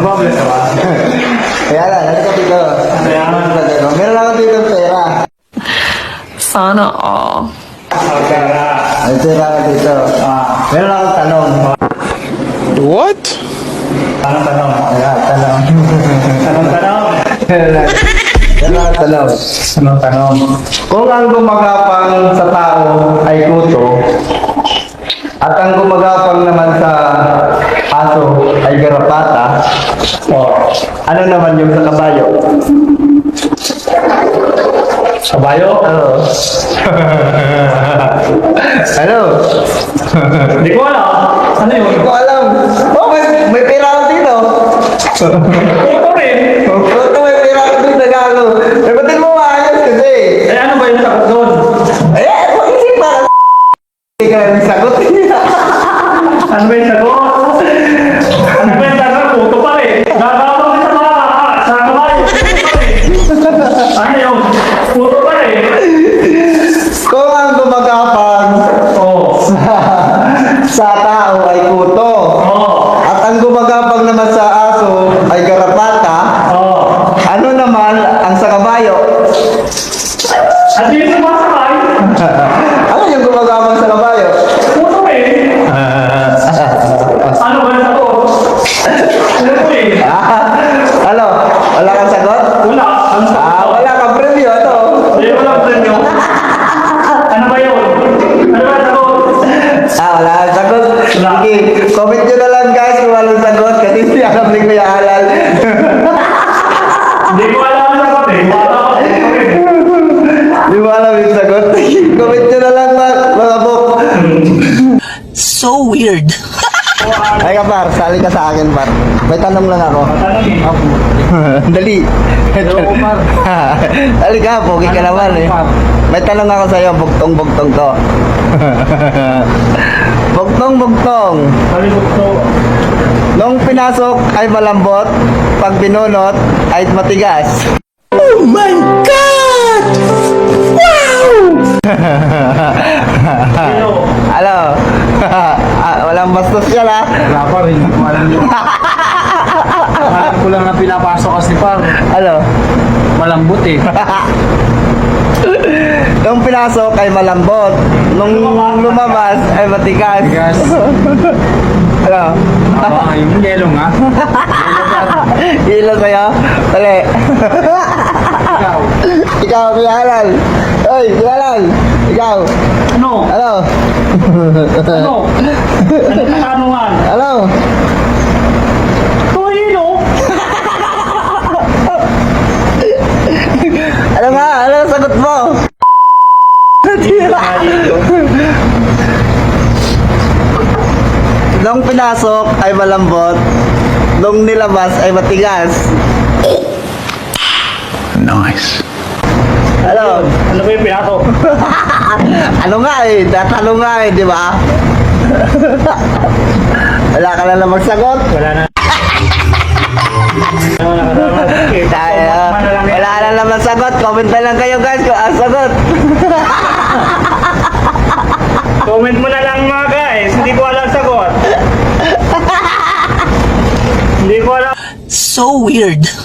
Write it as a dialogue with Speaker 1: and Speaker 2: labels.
Speaker 1: Mababless ka ba?
Speaker 2: Kaya lang, halika dito. Meron ako dito ng pera.
Speaker 3: Sana all.
Speaker 1: Okay.
Speaker 2: May pera ako dito. Meron akong tanong.
Speaker 4: What?
Speaker 1: Anong tanong?
Speaker 2: Ayan, tanong.
Speaker 1: Anong tanong?
Speaker 2: Meron akong tanong.
Speaker 1: Anong tanong?
Speaker 2: Kung ang gumagapang sa tao ay kuto, at ang gumagapang naman sa aso ay garapata, ano naman yung sa kabayo?
Speaker 1: Kabayo?
Speaker 2: Ano? Ano?
Speaker 1: Hindi ko alam. Ano yun?
Speaker 2: Hindi ko alam. Oh, may pera ako dito.
Speaker 1: Ito rin.
Speaker 2: Ito may pera ako dito, gago. Sagutin mo maayos kasi.
Speaker 1: Eh, ano ba yung sagot doon?
Speaker 2: Eh, mag-isip pa. Hindi ka lang sagot.
Speaker 1: Ano ba yung sagot? Ano ba yung sagot? Puto pa rin. Gagawin din sa mga sa kabayo. Puto pa rin. Ano yun? Puto pa rin.
Speaker 2: Kung ang gumagapang sa tao ay kuto, at ang gumagapang naman sa aso ay garapata, ano naman ang sa kabayo?
Speaker 1: At yung sumasakay,
Speaker 2: Ano yung gumagapang sa kabayo?
Speaker 1: puto rin. Ano ba yung sagot? Puto rin.
Speaker 2: Ano? Wala kang sagot?
Speaker 1: Wala. Ang sagot.
Speaker 2: Wala kang preview. Ano?
Speaker 1: Hindi mo lang premyo. Ano ba yun? Ano ba yung sagot?
Speaker 2: Wala kang sagot. Sige, comment nyo na lang guys kung walang sagot kasi hindi alam ni Kuya Alal.
Speaker 1: Hindi ko alam ang sagot eh. Wala ako.
Speaker 2: Hindi mo alam yung sagot. Comment nyo na lang mga bok.
Speaker 3: So weird.
Speaker 2: Ay ka par, sali ka sa akin par. May tanong lang ako. Dali. Dali ka, pogi ka naman eh. May tanong ako sa'yo, bugtong-bugtong to. Bugtong-bugtong.
Speaker 1: Palibot to.
Speaker 2: Nung pinasok ay malambot, pag binunot ay matigas.
Speaker 3: Oh my God! Wow!
Speaker 2: Ano? Walang bastos yan ha?
Speaker 1: Wala pa rin. Alam ko lang na pinapasok kasi par.
Speaker 2: Ano?
Speaker 1: Malambot eh.
Speaker 2: Nung pinasok ay malambot, nung lumabas ay matigas.
Speaker 1: Matigas.
Speaker 2: Ano?
Speaker 1: Yung yelo nga.
Speaker 2: Hilo sa'yo? Dali.
Speaker 1: Ikaw.
Speaker 2: Ikaw, Kuya Alal. Oy, Kuya Alal. Ikaw.
Speaker 1: Ano?
Speaker 2: Ano?
Speaker 1: Ano? Ano katanungan?
Speaker 2: Ano?
Speaker 1: Ito yelo.
Speaker 2: Ano nga? Ano ang sagot mo? Nung pinasok ay malambot, nung nilabas ay matigas.
Speaker 4: Nice.
Speaker 2: Ano?
Speaker 1: Ano ba yung pinasok?
Speaker 2: Ano nga eh? Tatanong nga eh, di ba? Wala ka na lang magsagot.
Speaker 1: Wala na.
Speaker 2: Tayo. Wala na naman sagot. Comment na lang kayo guys kung ang sagot.
Speaker 1: Comment mo na lang mga guys. Hindi ko alam sagot. Hindi ko alam.
Speaker 3: So weird.